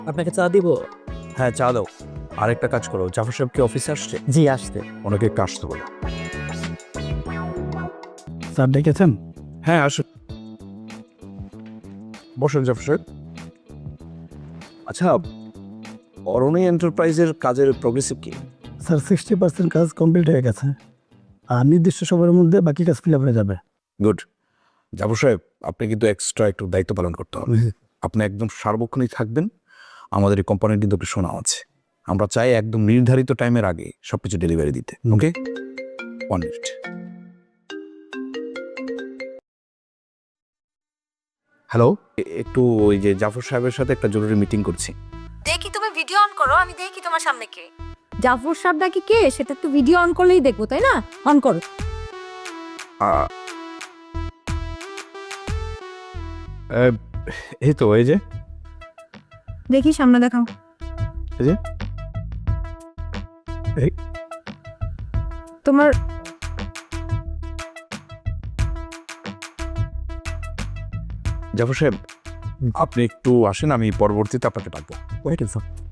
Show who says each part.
Speaker 1: আপনাকে চা দিব?
Speaker 2: হ্যাঁ, চা দাও। আরেকটা কাজ করো, জাফর সাহেব কি অফিসে আসছে?
Speaker 1: জি আসতে।
Speaker 2: ওনাকে একটু আসতে বলো।
Speaker 3: স্যার ডেকেছেন?
Speaker 2: হ্যাঁ, আসুন। বসেন জাফর সাহেব। আচ্ছা, অরণি এন্টারপ্রাইজের কাজের প্রোগ্রেসিভ কি?
Speaker 3: স্যার 60% কাজ কমপ্লিট হয়ে গেছে, আর নির্দিষ্ট সময়ের মধ্যে বাকি কাজ ফিল আপ হয়ে যাবে।
Speaker 2: গুড। জাফর সাহেব, আপনি কিন্তু এক্সট্রা একটু দায়িত্ব পালন করতে হবে। আপনি একদম সার্বক্ষণিক থাকবেন। আমাদের এই কোম্পানির কিন্তু একটু শোনা আছে, আমরা চাই একদম নির্ধারিত টাইমের আগে সবকিছু ডেলিভারি দিতে। ওকে, 1 মিনিট। হ্যালো, একটু ওই যে জাফর সাহেবের সাথে একটা জরুরি মিটিং করছি।
Speaker 4: দেখি তুমি ভিডিও অন করো, আমি দেখি তোমার সামনে কে। জাফর সাহেব নাকি কে সেটা তো ভিডিও অন করলেই দেখবো, তাই না? অন করো।
Speaker 2: এই তো, এই যে
Speaker 4: দেখি সামনে দেখাও।
Speaker 2: এই যে
Speaker 4: তোমার
Speaker 2: জাফর সাহেব, আপনি একটু আসেন, আমি পরবর্তীতে আপনাকে ডাকবো।
Speaker 3: Wait sir.